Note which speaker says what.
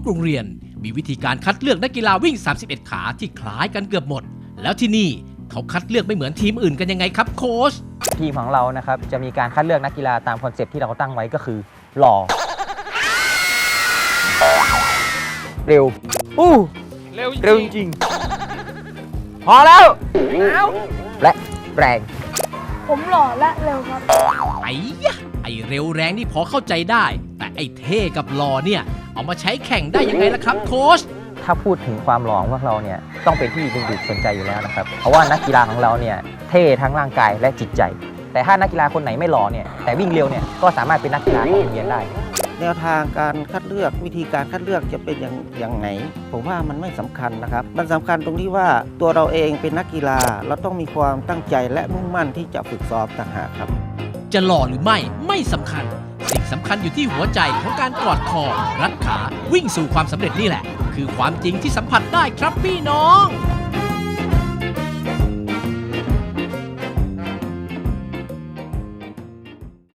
Speaker 1: โรงเรียนมีวิธีการคัดเลือกนักกีฬาวิ่ง 31 ขาที่คล้ายกันเกือบหมด แล้วที่นี่เขาคัดเลือกไม่เหมือนทีมอื่นกันยังไงครับโค้ช
Speaker 2: ทีมของเรานะครับจะมีการคัดเลือกนักกีฬาตามคอนเซปต์ที่เราตั้งไว้ก็คือหล่อเร็วเร็วจริงพอแล้วและแรง
Speaker 3: ผมหล่อและเร็วครับ
Speaker 1: ไอ้ยะไอ้เร็วแรงนี่พอเข้าใจได้ แต่ไอ้เท่กับหล่อเนี่ยเอามาใช้แข่งได้ยังไงล่ะครับโค้ช
Speaker 2: ถ้าพูดถึงความหล่อของพวกเราเนี่ยต้องเป็นที่ดึงดูดสนใจอยู่แล้วนะครับเพราะว่านักกีฬาของเราเนี่ยเท่ทั้งร่างกายและจิตใจ แต่ถ้านักกีฬาคนไหนไม่หล่อเนี่ยแต่วิ่งเร็วเนี่ยก็สามารถเป็นนักกีฬาของโรงเรียนได้
Speaker 4: แนวทางการคัดเลือกวิธีการคัดเลือกจะเป็นอย่างไหนผมว่ามันไม่สำคัญนะครับมันสำคัญตรงที่ว่าตัวเราเองเป็นนักกีฬาเราต้องมีความตั้งใจและมุ่งมั่นที่จะฝึกซ้อมต่างหากครับ
Speaker 1: จะหล่อหรือไม่สำคัญ สิ่งสำคัญอยู่ที่หัวใจของการกอดคอรัดขาวิ่งสู่ความสำเร็จนี่แหละ คือความจริงที่สัมผัสได้ครับพี่น้อง